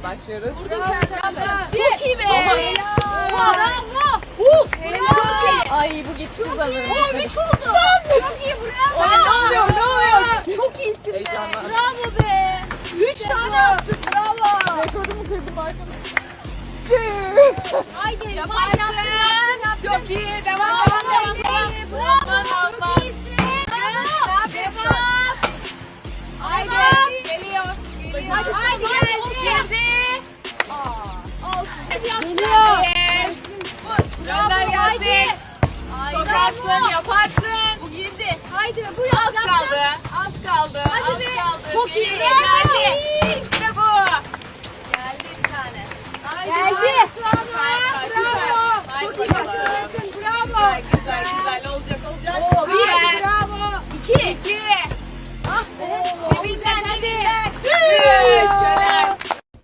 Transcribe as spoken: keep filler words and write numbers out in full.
Başlıyoruz. Çok iyi be. Bravo. Uf. Bravo. Ay bu gitti sanırım. O üç oldu. Çok iyi bravo. Ay, ne oluyor, ne oluyor? Çok iyisin be. Heyecanlandım. Bravo be. Üç tane yaptık bravo. Rekorumu kırdım arkadaşlar. Haydi Yaparsın. Çok iyi. Devam, devam, devam. Bravo. Çok iyisin. Devam. Haydi. Geliyor. Geliyor. Hadi, hadi geldi. Girdi. Geliyor. Gönder gelsin. Sokarsın, yaparsın. Bu girdi. Haydi bu Az kaldı. Az kaldı. Hadi az be. kaldı. Çok Bir, iyi. Geldi. İşte bu. Geldi bir tane. Geldi. Bravo. Bravo. Haydi Çok iyi bakalım. başardın. Bravo. Güzel, güzel, güzel. Olacak, olacak. Oo, bir. Güzel. Bravo. İki. İki. Ah be. Dibinden, dibinden.